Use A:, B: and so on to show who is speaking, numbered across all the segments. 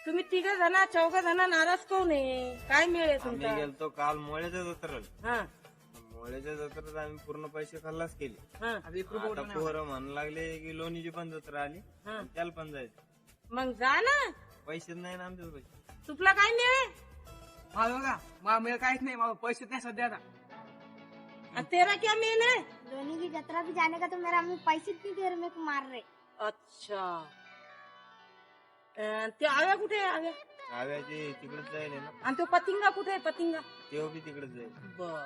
A: तुम्ही तिघ जण चौघ जण नाराज कोण आहे? काय मिळेल
B: आम्ही
A: तुमचा?
B: गेलतो काल मोळ्याच्या जत्रेला.
A: हा
B: मोळ्याच्या जत्रेत आम्ही पूर्ण पैसे खल्लास केले.
A: हा
B: आता पोरं म्हणू लागले की लोणीची पण जत्रा आली,
A: हा.
B: त्याला पण जायचं.
A: मग जा ना.
B: पैसेच नाही ना आमच्या पैसे.
A: तुला काय मिळेल?
C: हा बघा मला मिळेल काहीच नाही, मला पैसे नाही सध्या आता.
A: और तेरा क्या मेन है?
D: धोनी की जतरा भी जाने का तो मेरा हमें पैसे इतनी देर में मार रहे।
A: अच्छा ते आव्या कुठे आहे आव्या?
B: आव्याची तिकडेच जाईल ना,
A: आणि तो पतिंगा कुठे आहे पतिंगा?
B: तेव्हा बी तिकडेच जाईल.
A: बर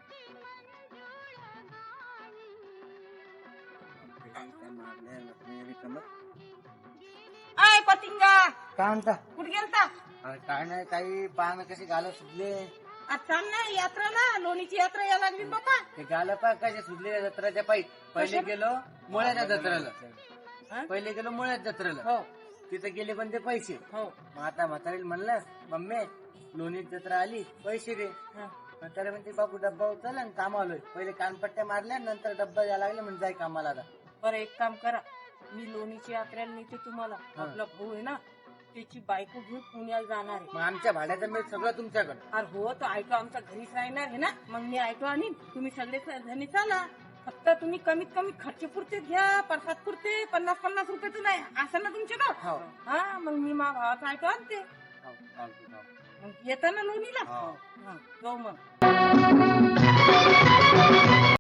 A: आय पतिंगा
E: काय म्हणता?
A: कुठे गेलता?
E: अरे काय नाही, काही पाहणं कशी गालं सुटले.
A: चाल ना यात्रा ना, लोणीची यात्रा या लागली बाबा.
E: ते गालं पा कसे सुटले जत्राच्या पायी. पहिले गेलो मुळ्याच्या जत्रेला,
A: हा?
E: पहिले गेलो मुळ्याच्या जत्रेला.
A: हो
E: तिथे गेले पण ते पैसे.
A: हो
E: मग आता म्हातारीला म्हणलं मम्मी लोणीत जत्रा आली, पैसे दे.
A: हा.
E: म्हातारे म्हणते बापू डब्बा उचल आणि काम आलोय. पहिले कानपट्ट्या मारल्या नंतर डब्बा द्यायला लागले म्हणजे जाय कामाला आता.
A: बरं एक काम करा, मी लोणीची यात्रेला नेते तुम्हाला. आपला भाऊ आहे ना, त्याची बायको घेऊन पुण्याला जाणार आहे.
E: मग आमच्या भाड्याचं मिळ सगळं तुमच्याकडे.
A: अरे हो, तो ऐका आमच्या घरीच राहणार आहे ना, मग मी ऐकतो आणि तुम्ही सगळे जणी चाला. फक्त तुम्ही कमीत कमी खर्च पुरते घ्या, प्रसाद पुरते 50-50 रुपयाचं नाही असं ना तुमच्याकडं.
E: हो.
A: हा मग मी मा भावाचं ऐकतो आणते.
E: हो, चालतं.
A: मग येताना लोणीला
B: हो.
A: हा, जाऊ मग.